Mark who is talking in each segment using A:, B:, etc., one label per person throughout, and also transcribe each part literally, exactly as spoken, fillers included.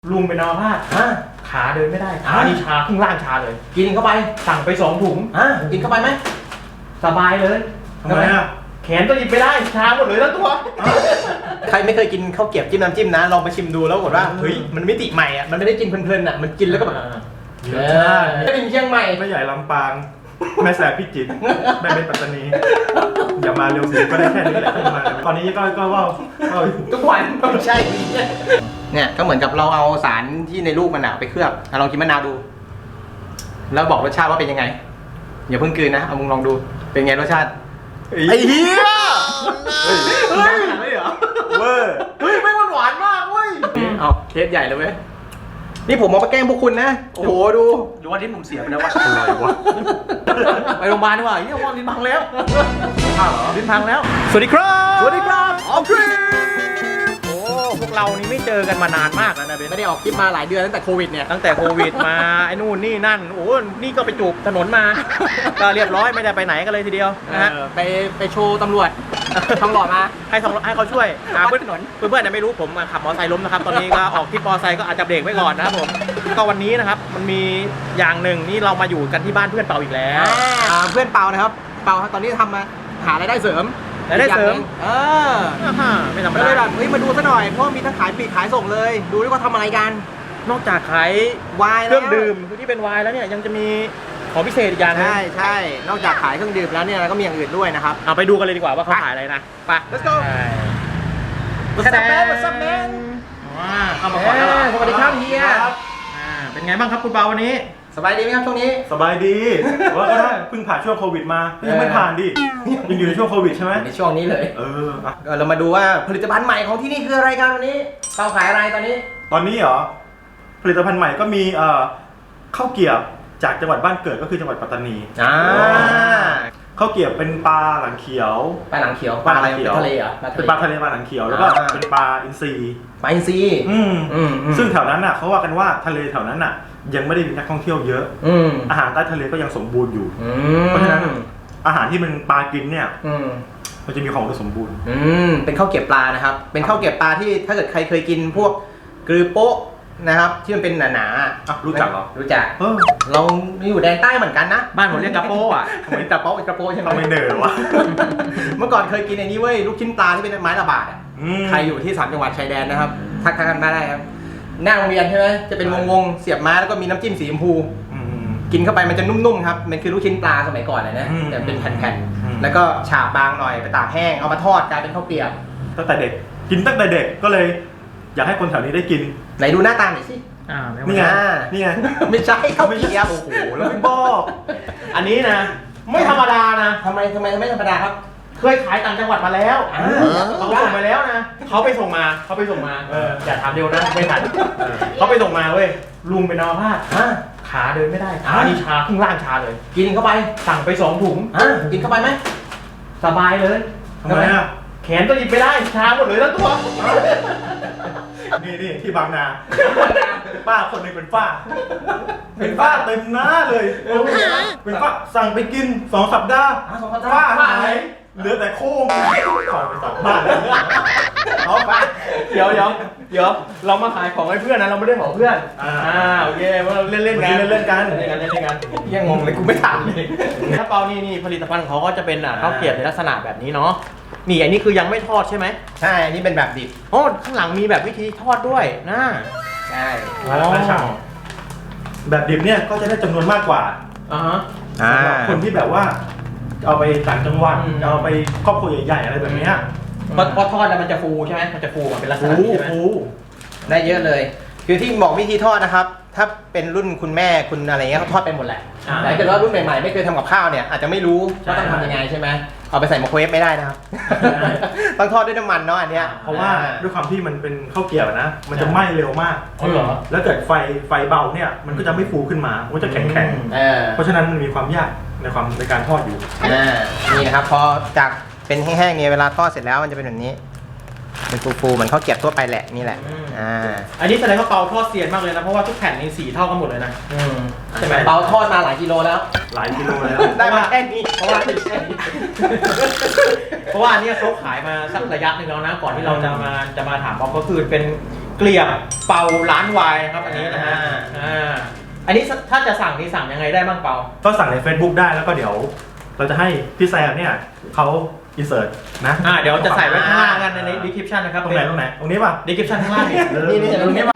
A: ลุงเป็นอัมพาตขาเดินไม่ได้ขานี่ชาครึ่งล่างชาเลย
B: กินเข้าไป
A: สั่งไปสองถุง
B: อ่ะกินเข้าไปไหม
A: สบายเลย
C: ทำไมอ่ะ
A: แขนก็หยิบไม่ได้ชาหมดเลยทั้งตัว
B: ใครไม่เคยกินข้าวเกรี๊ยวจิ้มน้ำจิ้มนะลองไปชิมดูแล้วบอกว่าเฮ้ยมันมิติใหม่อ่ะมันไม่ได้กินเพลินๆอ่ะมันกินแล้วก็แบบ
C: รสชาติ
B: ไม่เป็นเชียงใหม่
C: ไม่ใหญ่ลำปางแม่แสบพิจิตรแม่เป็นปัตตานีอย่ามาเร็วสิก็ได้แค่นี้แหละขึ้นมาตอนนี้ก็ก็ว่า
B: ทุกวันไม่ใช่เนี่ยก็เหมือนกับเราเอาสารที่ในลูกมะนาวไปเคลือบลองกินมะนาวดูแล้วบอกรสชาติว่าเป็นยังไงอย่าเพิ่งกลืนนะเอามึงลองดูเป็นไงรสชาติไอ้เหี้ยเฮ้ยได้ขนาดนี้เหรอ
C: เวอร์
B: เฮ้ยไม่หวานมากเว้ยเอาเทสใหญ่เลยเว้ยนี่ผมเอาไปแกล้งพวกคุณนะโอ้โหดู
A: ดูว่าลิ้นผมเสียไปแล้ววะ
C: อะไรวะ
A: ไปโรงพยาบาลดีกว่าเฮียว่าลิ้นพังแล้ว
C: พังเหรอ
A: ลิ้นพังแล้วสวัสดีครับ
B: สวัสดีครับออกทริป
A: โอ้พวกเรานี่ไม่เจอกันมานานมากแล้วนะเบน
B: ไม่ได้ออกคลิปมาหลายเดือนตั้งแต่โควิดเนี่ย
A: ตั้งแต่โควิดมาไอ้นู่นนี่นั่นโอ้นี่ก็ไปจูบถนนมาก็เรียบร้อยไม่ได้ไปไหนกันเลยทีเดียวนะฮะ
B: ไปไปโชว์ตำรวจทองหล่อมา
A: ให้ทองให้เขาช่วยเพื่อนถนนเพื่อนๆไม่รู้ผมขับมอเตอร์ไซค์ล้มนะครับตอนนี้ก็ออกที่มอเตอร์ไซค์ก็อาจจะเบรกไว้ก่อนนะครับผมก็วันนี้นะครับมันมีอย่างหนึ่งนี่เรามาอยู่กันที่บ้านเพื่อนเปาอีกแล้ว
B: เพื่อนเปานะครับเปาตอนนี้ทำมาหารายได้เสริม
A: รายได้เสริม
B: เออ
A: ไม่ธรรมดา
B: เลยแบบเฮ้ยมาดูซะหน่อยเพราะมีทั้งขายปลีกขายส่งเลยดูด้วยว่าทำอะไรกัน
A: นอกจากขาย
B: ไวน์
A: เครื่องดื่มที่เป็นไวน์แล้วเนี่ยยังจะมีของพิเศษอีกอย่างนึง
B: ใช่ใช่นอกจากขายเครื่องดื่มแล้วเนี่ยก็มีอย่างอื่นด้วยนะครับ
A: เอาไปดูกันเลยดีกว่าว่าเขาขายอะไรนะไป
B: let's go what's up man what's up man
A: เอามาก่อนแล้ว
B: สวัสดีครับเฮีย
A: เป็นไงบ้างครับคุณเปาวันนี้
B: สบายดีไหมครับช่วงนี้
C: สบายดีว่าก็ได้เพิ่งผ่านช่วงโควิดมายังไม่ผ่านดิยังอยู่ในช่วงโควิดใช่ไหม
B: ในช่วงนี้เลย
C: เออ
B: เรามาดูว่าผลิตภัณฑ์ใหม่ของที่นี่คืออะไรกันวันนี้เปาขายอะไรตอนนี้
C: ตอนนี้เหรอผลิตภัณฑ์ใหม่ก็มีเอ่อข้าวเกรี๊ยวจากจังหวัดบ้านเกิดก็คือจังหวัดปัตตานี
B: อ่า
C: ข้าวเกรี๊ยวเป็นปลาหลังเขียว
B: ปลาหลังเขียวปลาอะไรเป็นทะเลเหรอ
C: เป็นปลาทะเลปลาหลังเขียวแล้วก็เป็นปลาอินทรี
B: ปลาอินทรี
C: อืมซึ่งแถวนั้นน่ะเขาว่ากันว่าทะเลแถวนั้นน่ะยังไม่ได้มีนักท่องเที่ยวเยอะอาหารใต้ทะเลก็ยังสมบูรณ์อยู่เพราะฉะนั้นอาหารที่มันปลากินเนี่ยมันจะมีความสมบูรณ์
B: เป็นข้าวเกรี๊ยวปลานะครับเป็นข้าวเกรี๊ยวปลาที่ถ้าเกิดใครเคยกินพวกกรือโป๊ะนะครับที่มันเป็นหนา
C: ๆรู้จักเหรอ
B: รู้จักเราอยู่แดนใต้เหมือนกันนะ
A: บ้านผมเรียกกระโป้อะ
B: เหมือนกระโป๊ะกระโป๊ะใช่ไหม
C: ไม่เนอวะ
B: เมื่อก่อนเคยกินไอ้นี้เว้ยลูกชิ้นปลาที่เป็นไม้ระบาดใครอยู่ที่สามจังหวัดชายแดนนะครับทักทายกันได้ครับหน้าโรงเรียนใช่ไหมจะเป็นวงๆเสียบไม้แล้วก็มีน้ำจิ้มสีชมพูกินเข้าไปมันจะนุ่มๆครับมันคือลูกชิ้นปลาสมัยก่อนเลยนะแต่เป็นแผ่นๆแล้วก็ฉาบบางหน่อยไปตากแห้งเอามาทอดกลายเป็นข้าวเกรี๊ยว
C: ตั้งแต่เด็กกินตั้งแต่เด็กก็เลยอยากให้คนแถวนี้ได้กิน
B: ไหนดูหน้าตาหน่อยสิ
C: นี่ไงนี่ไง
B: ไม่ใช่ข้าวเกรี๊ยวโอ้โห
C: แล้วไม่บอก
A: อันนี้นะไม่ธรรมดานะ
B: ทำไมทำไมไม่ธรรมดาครับ
A: เคยขายต่างจังหวัดมาแล้วเขาส่งมาแล้วนะเขาไปส่งมาเขาไปส่งมาเอออย่าถามเร็วนะไม่ทันเขาไปส่งมาเว้ยลุงเป็นอัมพาตขาเดินไม่ได้ขานี่ชาครึ่งล่างชาเลย
B: กินเข้าไป
A: สั่งไปสองถุง
B: กินเข้าไปไหม
A: สบายเลย
C: ทำไมอ่ะ
A: แขนก็หยิบไม่ได้ชาหมดเลยทั้งตัว
C: นี่นี่ที่บางนาป้าคนนึงเป็นฝ้าเป็นฝ้าเต็มหน้าเลยเป็นฝ้าสั่งไปกินสองสัปดาห์ฝ้าหายเหลือแต่โค้งขอไปสับบ้าน
A: เอาไปเดี๋ยวเดี๋ยวเดี๋ยวเรามาขายของให้เพื่อนนะเราไม่ได้ของเพื่อนอ่าโอเคเราเล่นเล่นกัน
C: เล่นเล่นกัน
A: เล่นกันเล่นกันยังงงเลยกูไม่ถามเลยถ้าเปานี่นี่ผลิตภัณฑ์เขาก็จะเป็นข้าวเกรี๊ยวในลักษณะแบบนี้เนาะนี่อันนี้คือยังไม่ทอดใช่ไหม
B: ใช่อันนี้เป็นแบบดิบ
A: โอ้ข้างหลังมีแบบวิธีทอดด้วยนะ
B: ใช่
C: แบบดิบเนี่ยก็จะได้จำนวนมากกว่า
A: อ่าฮะ
C: สำหรับคนที่แบบว่าเอาไปต่างจังหวัดเอาไปครอบครัวใหญ่ๆอะไรแบบนี้
A: พอพอทอดแล้วมันจะฟูใช่ไหมมันจะฟูเป็นลักษณะนี้ใช่ไหม
C: ฟู
B: ได้เยอะเลยคือที่บอกวิธีทอดนะครับถ้าเป็นรุ่นคุณแม่คุณอะไรเงี้ยเขาทอดเป็นหมดแหละแต่ถ้าเกิดว่ารุ่นใหม่ๆไม่เคยทำกับข้าวเนี่ยอาจจะไม่รู้ว่าต้องทำยังไงใช่ไหมเอาไปใส่ไมโครเวฟไม่ได้นะครับต้องทอดด้วยน้ำมันเนาะอันเนี้ย
C: เพราะว่าด้วยความที่มันเป็นข้าวเกรี๊ยวนะมันจะไหม้เร็วมาก
A: อ๋อเหรอ
C: แล้วเกิดไฟไฟเบาเนี่ยมันก็จะไม่ฟูขึ้นมามันจะแข็งแข็งเพราะฉะนั้นมันมีความยากในความในการทอดอยู่
B: นี่นะครับพอจากเป็นแห้งๆเนี่ยเวลาทอดเสร็จแล้วมันจะเป็นแบบนี้เป็นฟูๆเหมือนข้าวเกรี๊ยวทั่วไปแหละนี่แหละอ่า
A: อันนี้แสดงว่าเปาทอดเซียนมากเลยนะเพราะว่าทุกแผ่นนี่สีเท่ากันหมดเลยนะ
B: ใช่ไหมเปาทอดมาหลายกิโลแล้ว
C: หลายกิโลแล้ว
B: ได้มาแค่นี้
A: เพราะว่าเพราะว่าอันนี้เขาขายมาสักระยะหนึ่งแล้วนะก่อนที่เราจะมาจะมาถามเปาก็คือเป็นเกลียบเปาร้านวายนะครับอันนี้นะฮะอ่าอันนี้ถ้าจะสั่งนี่สั่งยังไงได้บ้างเปา
C: ก็สั่งใน Facebook ได้แล้วก็เดี๋ยว เราจะให้พี่แซมเนี่ยเขาอินเสิร์ตนะ
A: อ่าเดี๋ยวจะใส่ไว้ข้างล่างกันใน description นะครับ
C: ตรงไหนตรงไหนตรงนี้ป่ะ
A: description ข้างล่างนี่
B: นี่นี่ตรงนี้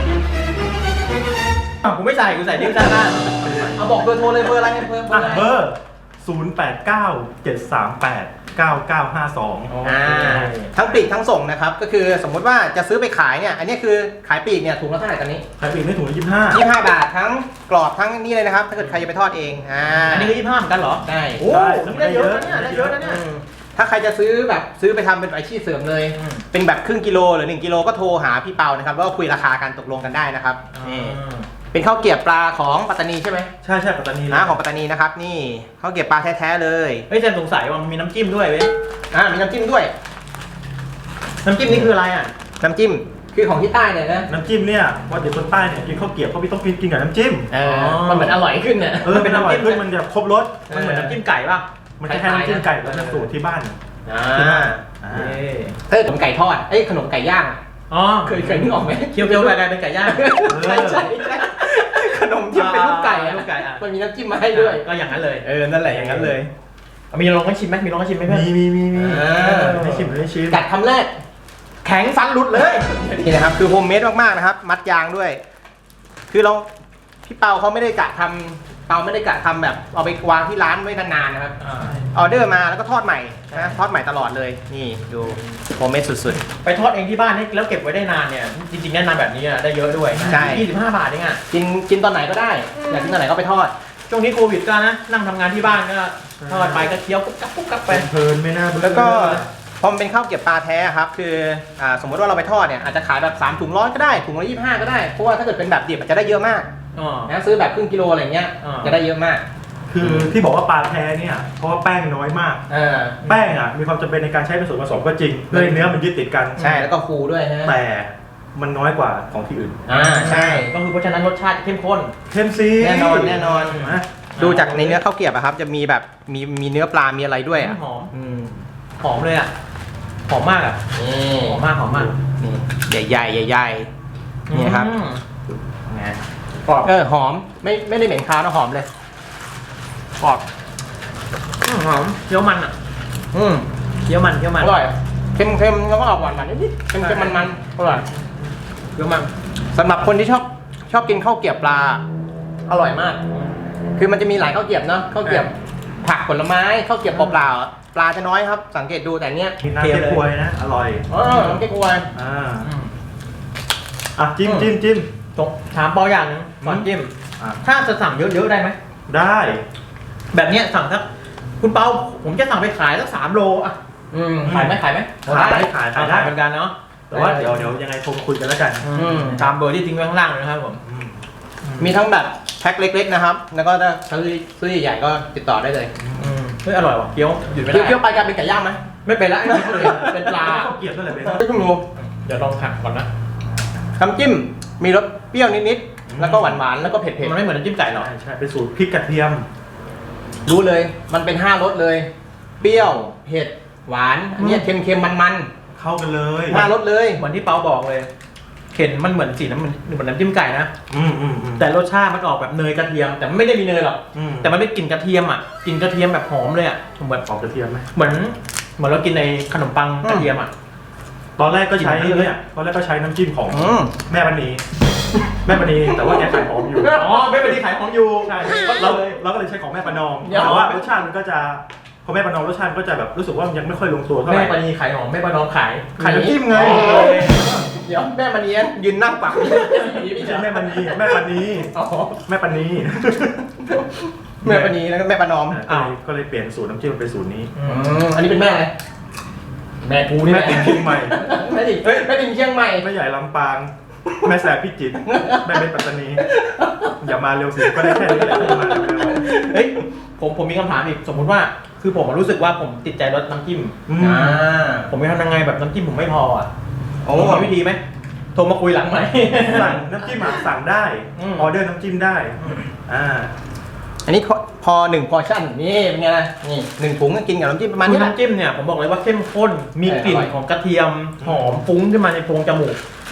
A: กูไม่ใส่กูใส่ description ข้างล่างเอาบอกเบอร์โทรเลยเบอร์อะไรเบอร์เบอร์อะไร
C: เบอร์ศูนย์ แปด เก้า เจ็ด สาม แปด เก้า เก้า ห้า สอง
B: อ่าทั้งปลีกทั้งส่งนะครับก็คือสมมุติว่าจะซื้อไปขายเนี่ยอันนี้คือขายปลีกเนี่ยถุงละเท่าไหร่ตอนนี้
C: ขายปลีกไม่ถุงละยี่สิบห้า
B: ยี่สิบห้าบาททั้งกรอบทั้งนี่เลยนะครับถ้าเกิดใครจะไปทอดเองอ่า
A: อันนี้ก็ยี่สิบห้าเหมือนกันเหรอ
B: ได้
A: โอ้นี่ได้เยอะนะเนี่ยได้เยอะนะเนี่ย
B: อืมถ้าใครจะซื้อแบบซื้อไปทำเป็นอาชีพเสริมเลย
A: อืม
B: เป็นแบบครึ่งกิโลหรือหนึ่งกิโลก็โทรหาพี่เปานะครับแล้วก็คุยราคากันตกลงกันได้นะครับนี่เป็นข้าวเกรี๊ยวปลาของปัตตานีใช่ไหม
C: ใช่ใช่ปัตตานี
B: นะของปัตตานีนะครับนี่ข้าวเกรี๊ยวปลาแท้ๆเลย
A: เฮ้ยแซมสงสัยว่ามันมีน้ำจิ้มด้วยเว้ย
B: อ่ามีน้ำจิ้มด้วย
A: น้ำจิ้มนี่คืออะไรอ่ะ
B: น้ำจิ้มคือของที่ใต้เนี่ยนะ
C: น้ำจิ้มเนี่ยว่าเด็กคนใต้เนี่ยกินข้าวเกรี๊ยวเขาไม่ต้องกินกินกับน้ำจิ้ม
B: เออมันเหมือนอร่อยขึ้นเนี่ย
C: เออเป็นอร่อยขึ้นมันจะครบรส
A: มันเหมือนน้ำจิ้มไก่ป่ะ
C: มันจะแค่น้ำจิ้มไก่แล้วจะสูตรที่บ้าน
B: อ่า
C: ที่บ้านอ่า
A: เอ้ย
B: เออขนมไก่ทอดเอ้ยขนมไก่ย่าง
A: อ๋อ
B: เคยเคยนึกออกไหม
A: เคี้ยวๆไปกลายเป็นไก่ย่าง
B: ใช่ใช่ใช่ขนมที่เป็นลูกไก่อะ
A: ลูกไก่อะ
B: มันมีน้ำจิ้มมาให้ด้วย
A: ก็อย่างนั้นเลย
B: เออนั่นแหละอย่างนั้นเลย
A: มีลองให้ชิมไหมมีลองให้ชิมไหมเพื่อน
C: มีมีมีมี
B: อ่า
C: ให้ชิมให้ชิม
B: กัดคำแรก
A: แข็งฟันหลุดเลย
B: นี่นะครับคือโฮมเมดมากๆนะครับ มัดยางด้วย คือเราพี่เปาเขาไม่ได้กะทำเปาไม่ได้กะทำแบบเอาไปวางที่ร้านไว้นานๆนะครับออเดอร์มาแล้วก็ทอดใหม่นะทอดใหม่ตลอดเลยนี่ดูโฮมเมดสุด
A: ไปทอดเองที่บ้านนี่แล้วเก็บไว้ได้นานเนี่ยจริงๆแนะนำแบบนี้อะได้เยอะด้วย
B: ใช่
A: ยี่สิบห้าบาทเองอ่ะ
B: ๆกินกินตอนไหนก็ได้ อยากกินตอนไหนก็ไปทอด
A: ช่วงนี้โควิดก็นะนั่งทำงานที่บ้านก็ทอดไปก็เคี้ยวกุ๊บกับกุ๊บกับไป
C: เพลินไม่น่าเบื่อ
B: แล้วก็พอมันเป็นข้าวเกรี๊ยวปลาแท้ครับคืออ่าสมมติว่าเราไปทอดเนี่ยอาจจะขายแบบสามถุงร้อยก็ได้ถุงละยี่สิบห้าก็ได้เพราะว่าถ้าเกิดเป็นแบบดิบมันจะได้เยอะมาก
A: อ๋อ
B: นะซื้อแบบครึ่งกิโลอะไรเงี้ย
A: อ่า
B: จะได้เยอะมาก
C: คือที่บอกว่าปลาแท้เนี่ยเพราะว่าแป้งน้อยมาก
B: เออ
C: แป้งอ่ะมีความจำเป็นในการใช้เป็นส่วนผสมก็จริงเพื่อให้เนื้อมันยึดติดกัน
B: ใช่แล้วก็ฟูด้วยนะ
C: แต่มันน้อยกว่าของที่อื่น
B: อ่าใช่
A: ก็คือเพราะฉะนั้นรสชาติเข้มข้น
C: เข้มซี
B: แน่นอนแน่นอน
C: นะ
B: ดูจากในเนื้อข้าวเกรี๊ยวอะครับจะมีแบบมีมีเนื้อปลา มีอะไรด้วยอ่ะ
A: หอม
B: อืม
A: หอมเลยอ่ะหอมมากอ่ะ
B: นี่
A: หอมมากหอมมาก
B: นี่ใหญ่ใหญ่ใหญ่ๆนี่ครับ
A: อืม
B: ไง
A: กรอบ
B: เออหอมไม่ไม่ได้เหม็นคาวนะหอมเลยกรอบ
A: อืมหอมเคี้ยวมันอ่ะ
B: อืม
A: เคี้ยวมันเคี้ยวมัน
B: อร่อยเค็มเค็มๆแล้วก็ออกหวานหวานนิดๆเค็มเค็มมันมันๆอร่อย
A: เคี้ยวมัน
B: สำหรับคนที่ชอบชอบกินข้าวเกรี๊ยวปลาอร่อยมาก คือมันจะมีหลายข้าวเกรี๊ยวเนาะข้าวเกรี๊ยวผักผลไม้ข้าวเกรี๊ยวเปล่าๆปลาจะน้อยครับ สังเกตดูแต่เนี้ย
C: กินน้ำเก๊กฮวยนะอร่อย
B: อ๋อน้ำเก๊กฮวย
C: อ่า
A: อืม
C: อ่ะจิ้มจิ้มจิ้ม
A: จบถามเปาอย่างหนึงก่อนจิ้ม
C: อ่ะ
A: ถ้าจะสั่งเยอะๆได้ไหม
C: ได้
A: แบบเนี้ยสั่งสักคุณเปาผมจะสั่งไปขายสักสามโลอ่ะ
B: อืมขายไหมขายไหม
C: ขายได้ขายขายได้
A: เหมือนกันเนาะ
C: แต่ว่าเดี๋ยวเดี๋ยวยังไงโทรมาคุยกันแล้วกัน
B: อืม
A: ตามเบอร์ที่ทิ้งไว้ข้างล่างเลยนะครับผม
C: อืม
B: มีทั้งแบบแพ็คเล็กๆนะครับ แล้วก็ถ้าซื้อซื้อใหญ่ๆก็ติดต่อได้เลย
A: อืมเฮ้ยอร่อยว่ะเคี้ยวหยุดไม่
B: เคี้ยว
A: ได้
B: เคี้ยวไปกลายเป็นไก่ย่างไหม
A: ไม่เป็นละไอ้นี่เป็นปลา
C: ข้าวเกรี๊ยวนั่นแหละเป็น
B: ไม่ต้องรู้
A: เดี๋ยวลองผักก่อนนะ
B: น้ำจิ้มมีรสเปรี้ยวนิดๆแล้วก็หวานๆแล้วก็เผ็ด
A: มันไม่เหมือนน้ำจิ้มไก่หรอก
C: ใช่ใช่เป็นสูตรพริกกระเทียม
B: ๆรู้เลย มันเป็นห้ารสเลย เปรี้ยวเผ็ดหวานอันเนี้ยเค็มๆมัน
C: เข้ากันเลย
B: ๆห้ารสเลย
A: เหมือนที่เปาบอกเลยเข็นมันเหมือนสีน้ำมันเหมือนน้ำจิ้มไก่นะ
C: อืมอืมอืม
A: แต่รสชาติมันออกแบบเนยกระเทียม แต่มันไม่ได้มีเนยหรอก
C: อืม
A: แต่มันเป็นกลิ่นกระเทียมอ่ะกลิ่นกระเทียมแบบหอมเลยอ่ะเหมือน
C: ออกกระเทียมไหม
A: เหมือนเหมือนเรากินในขนมปังกระเทียมอ่ะ
C: ตอนแรกก็ใช้
A: กินได้เลย
C: เนี่ยตอนแรกก็ใช้น้ำจิ้มของ
B: อืม
C: แม่ปณีแม่ปณีแต่ว่าแกขายหอมอยู่
A: อ๋อไม่เป็นที่ขายของอยู่
C: ใช่เราเราก็เลยใช้ของแม่ประนอม
B: เดี๋ยว
C: แต่ว่ารสชาติมันก็จะพอแม่ประนอมรสชาติมันก็จะแบบรู้สึกว่ามันยังไม่ค่อยลงตัวเท่าไห
A: แม่
C: ร่
A: ปณีขายหอมแม่ปนอมขาย
C: ขายน้ำจิ้มไง
A: อ๋อ
B: เดี๋ยวแม่มันเนี้ยยืนนั่งปัก
C: ไม่ใช่แม่ปณีแม่ปณี
B: อ๋อ
C: แม่ปณี
B: แม่ปนีแล้วก็แม่ปนอม
C: ก็เลยก็เลยเปลี่ยนสูตรน้ำจิ้มเป็นสูตรนี้
A: อื
B: อื
A: ม
B: มอันนี้เป็นแม่อะไร
A: แม่กูนี่
C: แม่
A: แหละ
C: ติ๋มเชียงใหม่
B: แม่ดิเฮ้ยแม่ดิเชียงใหม่
C: แม่ใหญ่ลำปาง แม่แสบพิจิตรแม่เป็นปัตตานี อย่ามาเร็วสิก็ได้แค่นี้แหละที่มาเร็ว
A: เฮ้ยผมผมมีคำถามอีกสมมุติว่าคือผมรู้สึกว่าผมติดใจรสน้ำจิ้ม
C: อืม
B: อ่า
A: ผมจะทำยังไงแบบน้ำจิ้มผมไม่พออ่ะ
B: โอ้
A: ผมมีวิธีไหมโทรมาคุยหลังไหม
C: สั่งน้ำจิ้มอ่ะสั่งได้
A: อืม
C: ออเดอร์น้ำจิ้มได้อ่า
B: อันนี้พอหนึ่งพอชั่นนี่เป็นไงล่ะนี่หนึ่งถุงก็กินกับน้ำจิ้มประมาณ
A: คือ
B: นี้แหละ
A: น้ำจิ้มเนี่ยผมบอกเลยว่าเข้มข้นมีกลิ่น
B: อร่อย
A: ของกระเทียมหอมฟุ้งขึ้นมาในโพรงจมูก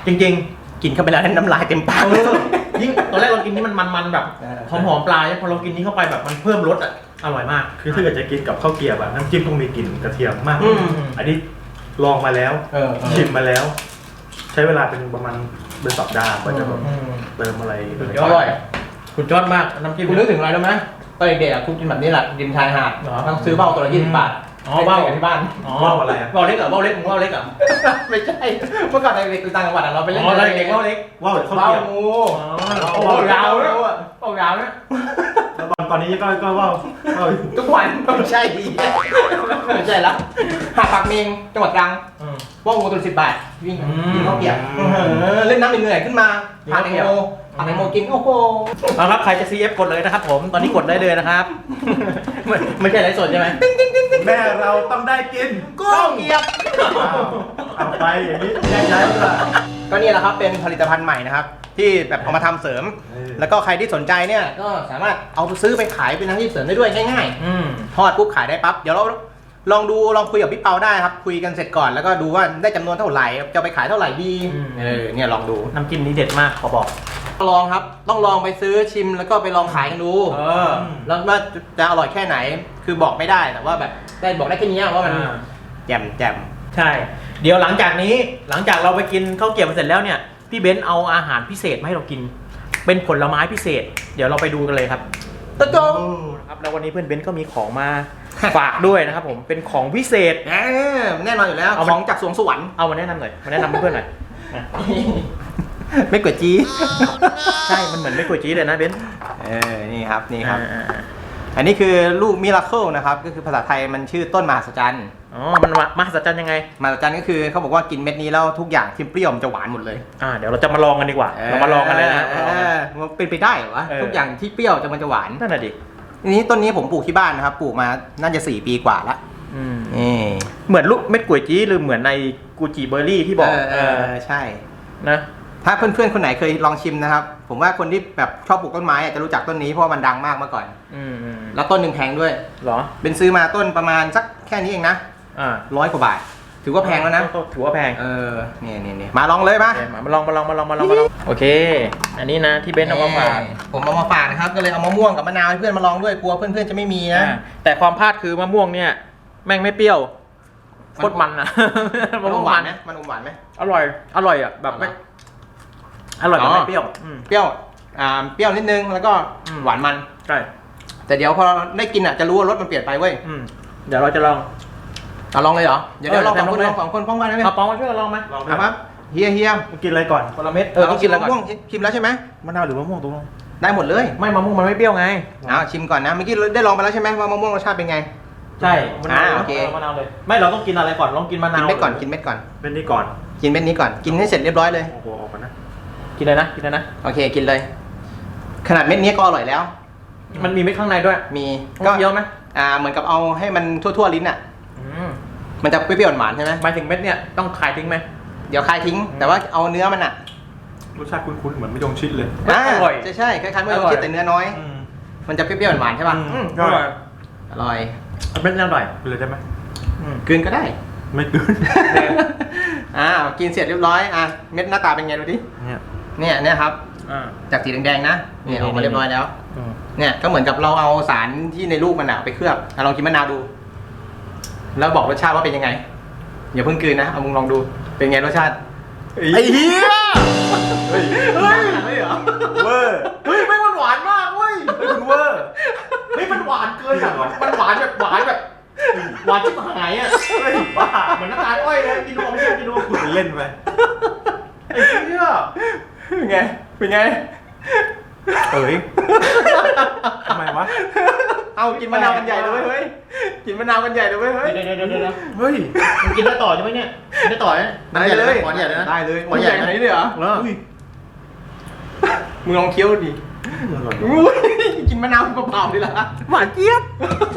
A: จริง
B: กินเข้าไปแล้วน้ำลายเต็มปาก
A: ๆเออยิ่งตอนแรกเรากินนี่มันมันๆแบบ
B: เออ
A: หอมๆปลาพอเรากินนี้เข้าไปแบบมันเพิ่มรสอ่ะอร่อยมาก
C: คือถ้าเกิดจะกินกับข้าวเกรี๊ยวอะน้ำจิ้มต้องมีกลิ่นกระเทียมมาก
B: อืม
C: อันนี้ลองมาแล้ว
B: เออเออ
C: ชิมมาแล้ว ใช้เวลาเป็นประมาณเป็นสัปดาห์กว่าจะแบบ
A: อืม
C: เติมอะไร
A: สุด
B: อร่อย
A: คุณยอดมากน้ำจิ้ม
B: คุณนึกถึงอะไรรู้ไหมตอนเด็กๆอะคุณกินแบบนี้แหละริมชายหาด
A: เหรอ
B: ต้องซื้อเบ้าตัวละยี่สิบบาท
A: อ๋อเบ้า
B: ไปที่บ้าน
A: อ๋อ
C: ว่าวอะไรอะ
A: เบ้าเล็กเหรอเบ้าเล็กมึงเบ้าเล็กเหรอ
B: ไม่ใช่เมื่อก่อนเด็กๆอยู่ต่างจังหวัดอะเราไปเล่น
A: อ๋อเด็กๆเบ้าเล็ก
C: ว่าวหรือข้าว
B: เบ้า
C: เกรี๊ยว
B: งู
A: อ๋อโอ้โหยาวเนี่ยเบ้ายาวเนี่ย
C: แล้วตอนตอนนี้ก็ก็ว่าวว่าวอยู่
B: ทุกวันไม่ใช่ดีไม่ใช่ละหาดปากเมงจังหวัดตรัง
A: อืม
B: ว่าวงูตัวสิบบาทวิ่ง
A: อืม
B: กินข้าวเปียกเออเล่นน้ำเหนื่อยๆขึ้นมาผ่านแตงโมผ่านแตงโมกินโอ้โห
A: เอาครับใครจะ ซี เอฟ กดเลยนะครับผมตอนนี้กดได้เลยนะครับ ไม่ไม่ใช่ไลฟ์สดใช่ไหม
C: แม่เราต้องได้กิน
B: ก้องเกียบ
C: อ้าวเอาไปอย่างนี้แยกย้ายดีกว่า
B: ก็นี่แหละครับเป็นผลิตภัณฑ์ใหม่นะครับ ที่แบบเอามาทำเสริม
C: เออ
B: แล้วก็ใครที่สนใจเนี่ยก็สามารถเอาไปซื้อไปขายเป็นอาชีพเสริมได้ด้วยง่าย
A: อืม
B: ๆทอดปุ๊บขายได้ปั๊บเดี๋ยวเราลองดูลองคุยกับพี่เปาได้ครับคุยกันเสร็จก่อนแล้วก็ดูว่าได้จำนวนเท่าไหร่จะเอาไปขายเท่าไหร่ดี
A: อืม
B: เออเนี่ยลองดู
A: น้ำจิ้มนี้เด็ดมากขอบอก
B: ลองครับต้องลองไปซื้อชิมแล้วก็ไปลองขายกันดู
A: เออ
B: แล้วว่าจะอร่อยแค่ไหนคือบอกไม่ได้แต่ว่าแบบได้บอกได้แค่นี้ว่ามัน
A: อ่า
B: แจ่มแจ่ม
A: ใช่ เดี๋ยวหลังจากนี้หลังจากเราไปกินข้าวเกรี๊ยวเสร็จแล้วเนี่ยพี่เบนซ์เอาอาหารพิเศษมาให้เรากิน เป็นผลไม้พิเศษ เดี๋ยวเราไปดูกันเลยครับ
B: ตะจง
A: ครับแล้ววันนี้เพื่อนเบนซ์ก็มีของมา ฝากด้วยนะครับผมเป็นของพิเศษ
B: แหมแน่นอนอยู่แล้ว
A: เอา
B: ข
A: มัน
B: องจากสวงสวรรค์
A: เอามาแนะนำหน่อยมาแนะนำเพื่อนๆหน่อยนะ
B: ไม่กวดจี้
A: ใช่มันเหมือนไม่กลัวจี๊ดเลยนะเบนซ์
B: เออนี่ครับนี่ครับ
A: อ่าอ่า
B: อันนี้คือลูกมิราเคิลนะครับก็คือภาษาไทยมันชื่อต้นมหัศจรรย์
A: อ๋อมันมหัศจรรย์ยังไง
B: มหัศจรรย์ก็คือเขาบอกว่ากินเม็ดนี้แล้วทุกอย่างที่เปรี้ยวมันจะหวานหมดเลย
A: อ่าเดี๋ยวเราจะมาลองกันดีกว่าเรามาลองกันเลยนะ
B: เออมันเป็นไปได้เหรอวะ
A: เออ
B: ทุกอย่างที่เปรี้ยวจะมันจะหวาน
A: นั่นน่ะดิ
B: อันนี้ต้นนี้ผมปลูกที่บ้านนะครับปลูกมาน่าจะสี่ปีกว่าละ
A: อืม
B: นี่
A: เหมือนลูกเม็ดกล้วยจี้หรือเหมือนในกูจิเบอร์รี่ที่บอก
B: เออเอ
A: เอ
B: อ
A: อ
B: ใช่
A: นะ
B: ถ้าเพื่อนๆคนไหนเคยลองชิมนะครับ ผมว่าคนที่แบบชอบปลูกต้นไม้อะจะรู้จักต้นนี้เพราะว่ามันดังมากเมื่อก่อน
A: อืมอืม
B: แล้วต้นหนึ่งแพงด้วย
A: เหรอ
B: เป็นซื้อมาต้นประมาณสักแค่นี้เองนะ
A: อ่า
B: ร้อยกว่าบาท ถือว่าแพงแล้วนะ
A: ก็ถือว่าแพง
B: เออเนี่ยเนี่ยเนี่ยมาลองเลยมา
A: โอเคมามาลองมาลองมาลองมาลองมาลองโอเค อันนี้นะที่เบนซ์เอามาฝาก
B: ผมเอามาฝากนะครับ ก็เลยเอามะม่วงกับมะนาวให้เพื่อนมาลองด้วยกลัวเพื่อนๆจะไม่มีนะ
A: อ่าแต่ความพลาดคือมะม่วงเนี่ย แม่งไม่เปรี้ยวโคตรมันอะ
B: มัน
A: มะม่วง
B: หวา
A: มัน น
B: ไหมมันอมหวานไหม
A: อร่อย อร่อยอ่ะแบบไม่อร่อยแต่ไม่เปรี้ยวอืม
B: เปรี้ยวอ่าเปรี้ยวนิดนึงแล้วก็
A: อืม
B: หวานมัน
A: ใช่
B: แต่เดี๋ยวพอได้กินอ่ะจะรู้ว่ารสมันเปลี่ยนไปเว้ย
A: อืมเดี๋ยวเราจะลอง
B: เอาลองเลยเหรอเดี๋ยวเดี๋ยวลอง
A: เออ
B: สองคน
A: ลองเลย
B: ลองสองคนพร้อมกันได้ไหม
A: เอาปองมาช่วยกันลองไหม
C: ลองไป
B: เอาครับเฮียเฮีย
C: มึงกินอะไรก่อน
A: คนละเม็ดเออต้องกินแล้วก่อน
B: มะม่วงชิมแล้วใช่ไหม
C: มะนาวหรือมะม่วงตรงนั้น
B: ได้หมดเลย
A: ไม่มะม่วงมันไม่เปรี้ยวไง
B: เอาชิมก่อนนะเมื่อกี้ได้ลองไปแล้วใช่ไหมว่ามะม่วงรสชาติเป็นไง
A: ใช่มะนาว
B: อ่าโอเค
A: มะนาวเลย ไม่เราต้องกินอะไรก่อนลองกินมะนา
B: กิน
A: ว
B: เม็ดก่อนกินเม็ดก่อน
C: เป็นนี่ก่อน
B: กินเม็ดนี้ก่อนกินให้เสร็จเรียบร้อยเลย
C: โอ้โหออกมานะ
A: กินเลยนะกินเลยนะ
B: โอเคกินเลย ขนาดเม็ดนี้ก็อร่อยแล้ว
A: มันมีเม็ดข้างในด้วย
B: มี
A: ก็
B: ก็
A: เยอะไหม
B: อ่าเหมือนกับเอาให้มันทั่วๆลิ้นอ่ะ
A: อืม
B: มันจะเปรี้ยวๆหวานๆใช่ไหม
A: หมายถึงเม็ดเนี่ยต้องขายทิ้งไหม
B: เดี๋ยวคายทิ้ง แต่ว่าเอาเนื้อมันอ่ะ
C: รสชาติคุ้นๆเหมือนมะยงชิดเลย
A: อร่อย
B: ใช่ใช่คล้ายๆเมื่อ
A: อร่
B: เรา
A: อย
B: คิดแต่เนื้อน้อย
C: อืม
B: มันจะเปรี้ยวๆหวานๆใช่ป่ะ
C: อืม
A: อร่อย
B: อร่อย
A: เอาเม็ดนี้อร่อย
C: กินเลยได้ไหม
A: อืม
B: กลืนก็ได้
C: ไม่กลืน
B: อ่ากินเสร็จเรียบร้อยอ่ะเม็ดหน้าตาเป็นไงดูดิ
C: เนี่ย
B: เนี่ยเนี่ยครับ
A: อ่า
B: จากสีแดงๆนะเนี่ยออกมาเรียบร้อยแล้ว
A: อืม
B: เนี่ยก็เหมือนกับเราเอาสารที่ในลูกมันอะไปเคลือบอ่ะลองกินมะนาวดู แล้วบอกรสชาติว่าเป็นยังไงอย่าเพิ่งกลืนนะเอามึงลองดูเป็นไงรสชาติ
C: ไอ้เหี้ย
B: เฮ้ยเฮ้ยไม่เหรอ
C: เวอร์
A: เฮ้ยไม่มันหวานมากเว้ย
C: เฮ้ยคุณเวอร์
A: เฮ้ยมันหวานเกินอ่ะมันมันหวานแบบหวานแบบหวานชิบหายอ่ะ
C: เฮ้ยบ้า
A: เหมือนน้ำตาลอ้อยเลยกินดูเอาไม่ใช่กินดู
C: คุณเล่นไป
A: ไอ้เหี้ย
B: เป็นไงเป็นไง
C: เอ้ยทำไมวะ
B: เอากินมะนาวกันใหญ่เลยเว้ยกินมะนาวกันใหญ่เลยเว้ยเฮ้ย
A: เดี๋ยวเดี๋ยวเดี๋ยวเดี๋ยว
C: เฮ้ย
A: มึงกินได้ต่อใช่ไหมเนี่ยกินได้ต่อนะ
B: ได้เลย
A: หวานใหญ่เลยนะ
B: ได้เลย
A: หวานใหญ่
B: ขนาดนี้เลยเหรอ
A: เออ
C: อุ้ย
B: มึงลองเคี้ยวดิ
C: อร่อย
B: อุ้ยกินมะนาวเปล่าๆดิล่ะ
A: หวานเจี๊ยบ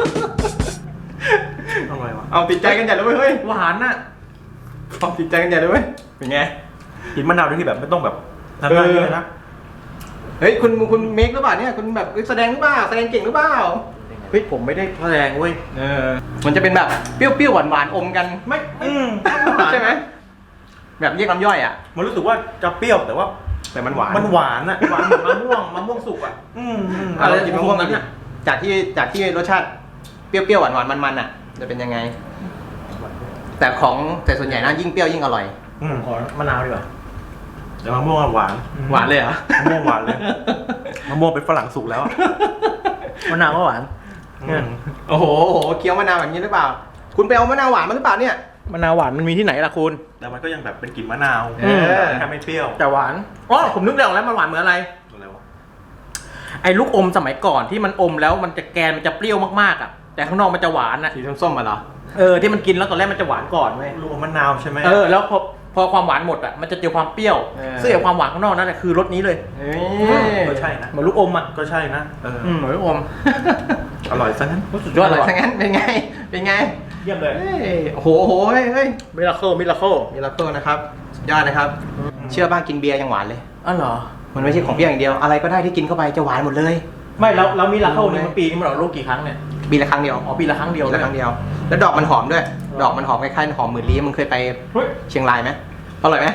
C: อร่อยวะ
B: เอาติดใจกันใหญ่เลยเว้ยเฮ้ย
A: หวานน่ะ
B: เอาติดใจกันใหญ่เลยเว้ยเป็นไง
C: กินมะนาวด้วยที่แบบไม่ต้องแบบทำได้เลยนะ
B: เฮ้ยคุณคุณเมคหรือเปล่าเนี่ยคุณแบบแสดงหรือเปล่าแสดงเก่งหรือเปล่า
A: เฮ้ยผมไม่ได้แสดงเว้ย
B: เออมันจะเป็นแบบเปรี้ยวๆหวานๆอมกัน
A: ไม่
C: อืม
B: ใช่ไหมแบบเรียกน้ำย่อยอ่ะ
C: มันรู้สึกว่าจะเปรี้ยวแต่ว่า
B: แต่มันหวาน
C: มันหวานอ่ะ
A: หวานเหมือนมะม่วงมะม่วงสุกอ่ะ
C: อืมอืม
B: อ่ะเรากินมะม่วงกัน
A: เนี่
B: ดิ
A: ย
B: จากที่จากที่รสชาติเปรี้ยวๆหวานๆมันๆอ่ะจะเป็นยังไง แต่ของแต่ส่วนใหญ่นะยิ่งเปรี้ยวยิ่งอร่อย
C: อืม
A: ขอมะนาวดีกว่า
C: แต่มะม่วงอะหวาน
B: หวานเลยเหรอ
C: มะม่วงหวานเลยมะม่วงเป็นฝรั่งสุกแล้วอะ
A: มะนาวก็หวาน
C: อืม
B: โอ้โหโอ้โหเคี้ยวมะนาวแบบนี้หรือเปล่า คุณไปเอามะนาวหวานมาหรือเปล่าเนี่ย
A: มะนาวหวานมันมีที่ไหนล่ะคุณ
C: แต่มันก็ยังแบบเป็นกลิ่นมะนาว
B: เออ
C: แค่ไม่เปรี้ยว
A: แต่หวานอ๋อผมนึกได้ออกแล้วมันหวานเหมือนอะไร
C: อะไรวะ
A: ไอ้ลูกอมสมัยก่อนที่มันอมแล้วมันจะแกนมันจะเปรี้ยวมากๆอ่ะแต่ข้างนอกมันจะหวานอ่ะ
B: สีส้มๆมาเหรอ
A: เออที่มันกินแล้วตอนแรกมันจะหวานก่อนเว้ย
C: ลูกอมมะนาวใช่ไหม
A: เออแล้วพอพอความหวานหมดอ่ะมันจะเจอความเปรี้ยว
B: เออ
A: ซึ่งไอ้ความหวานข้างนอกนั่นแหละคือรสนี้เลย
B: เฮ้ย
C: ก็ใช่นะ
A: เหมือนลูกอมอ่ะ
C: ก็ใช่นะเอออ
A: อืมเหมือนลูกอม
C: อร่อยซะงั้น
A: สุดยอด
B: อ
A: เล
B: ร่อย
A: ย
B: ทั้งนั้นเป็นไง เป็นไง
A: เยี่ยมเลย
B: เฮ้ยโอ้โหโอ้โหเฮ้ยเฮ้ย
A: มิราเคิลมิราเคิล
B: มิราเคิลนะครับสุดยอดนะครับ เชื่อบ้างกินเบียร์ยังหวานเลย
A: อ๋อเหรอ
B: มันไม่ใช่ของเปรี้ยวอย่างเดียว อะไรก็ได้ที่กินเข้าไปจะหวานหมดเลย
A: ไม่แล้วแล้วมิราเคิลนี่มันปีนี้มันออกลูกกี่ครั้งเนี่ย
B: ปีละครั้งเดียว
A: อ๋อปีละครั้งเดียว
B: ปีละครั้งเดียว แล้วดอกมันหอมด้วย ดอกมันหอมคล้ายๆหอมหมื่นลี้มึงเคยไป
A: เฮ้ย
B: เชียงรายไหมอร่อยไหม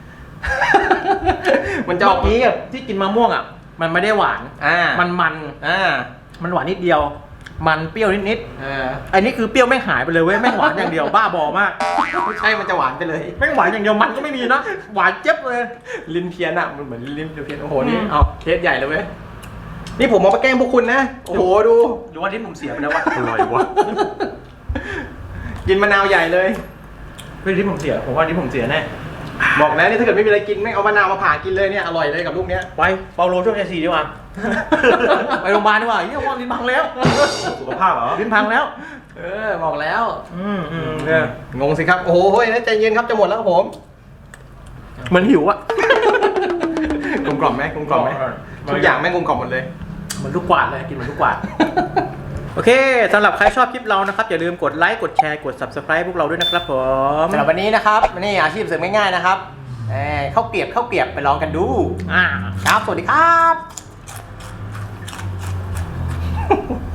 B: มันจะอ
A: เมื่
B: อก
A: อกี้อะที่กินมะม่วงอ่ะมันไม่ได้หวาน
B: อ่า
A: มันมัน
B: อ่า
A: มันหวานนิดเดียว มันเปรี้ยวนิด
B: เออ
A: ๆอันนี้คือเปรี้ยวไม่หายไปเลยเว้ยไม่หวานอย่างเดียวบ้าบอมาก
B: ไม่ใช่มันจะหวานไปเลย
A: ไม่หวานอย่างเดียวมันก็ไม่มีนะหวานเจ็บเลย
B: ลิ้นเพี้ยนอะมันเหมือนลิ้นเพี้ยนโอ้โหนี่
A: อืม
B: เอาเคสใหญ่เลยเว้ยนี่ผมเอามาแกล้งพวกคุณนะโอ้โหดู
A: หรือว่าที่ผมเสียไปแล้ววะ
C: อร่อยวะ
B: กินมะนาวใหญ่เลย
A: เฮ้ยที่ผมเสียผมว่าที่ผมเสียแน่
B: บอกแล้วนี่ถ้าเกิดไม่มีอะไรกินไม่งเอามะนาวมาผ่ากินเลยเนี่ยอร่อยเลยกับลูกเนี้ย
A: ไปเปาโลช่วยแค่สี่ดีกว่า ไปโรงพยาบาลดีกว่าเยี่ยมว่าลิ้นพังแล้ว
C: สุขภาพเหรอ
A: ลิ้นพังแล้ว
B: เออบอกแล้ว
A: อืมอืม
B: เอองงสิครับโอ้โหเฮ้ยใจเย็นครับจะหมดแล้วครับผม
A: เหมือนหิวอะ
B: กลมกล่อมไหมกลมกล่อมไหมทุกอย่างแม่งกลมกล่อมหมดเลย
A: เหมือนลูกกวาดเลยกินเหมือนลูกกวาด โอเคสำหรับใครชอบคลิปเรานะครับอย่าลืมกดไลค์กดแชร์กด ซับสไครบ์ พวกเราด้วยนะครับผม
B: สำหรับวันนี้นะครับนี่อาชีพเสริมง่ายๆนะครับเอ่อข้าวเกรียบข้าวเกรียบไปลองกันดู
A: อ่า
B: ครับสวัสดีครับ